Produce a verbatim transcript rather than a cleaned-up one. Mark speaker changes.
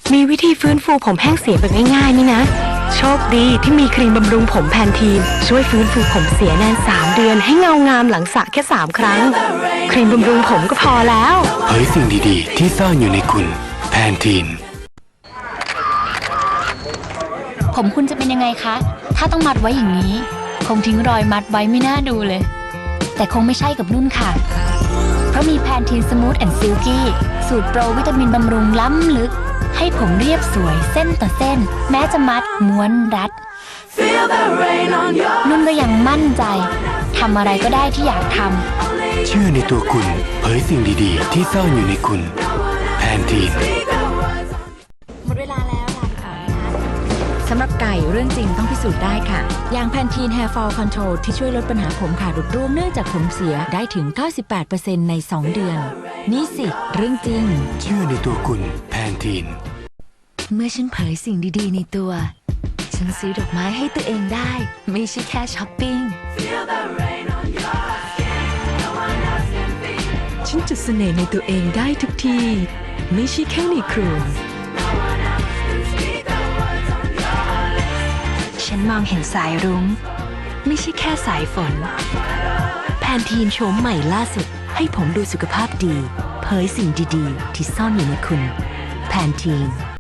Speaker 1: มีวิธีฟื้นฟูผมแห้งเสียแบบง่ายๆนี่นะโชคดีที่มีครีมบำรุงผมแพนทีนช่วยฟื้นฟูผมเสียนานสามเดือนให้เงางามหลังสระแค่สามครั้งครีมบำรุงผมก็พอแล้ว
Speaker 2: เผยสิ่งดีๆที่ซ่อนอยู่ในคุณแพนทีน
Speaker 3: ผมคุณจะเป็นยังไงคะ ถ้าต้องมัดไว้อย่างนี้คงทิ้งรอยมัดไว้ไม่น่าดูเลยแต่คงไม่ใช่กับนุ่นค่ะเพราะมีแพนทีนสมูทแอนด์ซิลกี้สูตรโปรวิตามินบำรุงล้ำลึกให้ผมเรียบสวยเส้นต่อเส้นแม้จะมัดม้วนรัดนุ่นก็ยังมั่นใจทำอะไรก็ได้ที่อยากทำ
Speaker 2: เชื่อในตัวคุณเผยสิ่งดีๆที่ซ่อนอยู่ในคุณแพนทีน
Speaker 3: หมดเวลาแล้วลาไปก่อนนะคะสำหรับไก่เรื่องจริงต้องพิสูจน์ได้ค่ะอย่างแพนทีน Hair Fall Control ที่ช่วยลดปัญหาผมขาดหลุดร่วงเนื่องจากผมเสียได้ถึง เก้าสิบแปดเปอร์เซ็นต์ ในสองเดือนนี่สิเรื่องจริง
Speaker 2: เชื่อในตัวคุณแพนทีน
Speaker 3: เมื่อฉันเผยสิ่งดีๆในตัวฉันซื้อดอกไม้ให้ตัวเองได้ไม่ใช่แค่ช้อปปิ้ง
Speaker 1: ฉันจุดเสน่ห์ในตัวเองได้ทุกทีไม่ใช่แค่ในครัวฉันมองเห็นสายรุ้งไม่ใช่แค่สายฝนแพนทีนโฉมใหม่ล่าสุดให้ผมดูสุขภาพดีเผยสิ่งดีๆที่ซ่อนอยู่ในคุณแพนทีน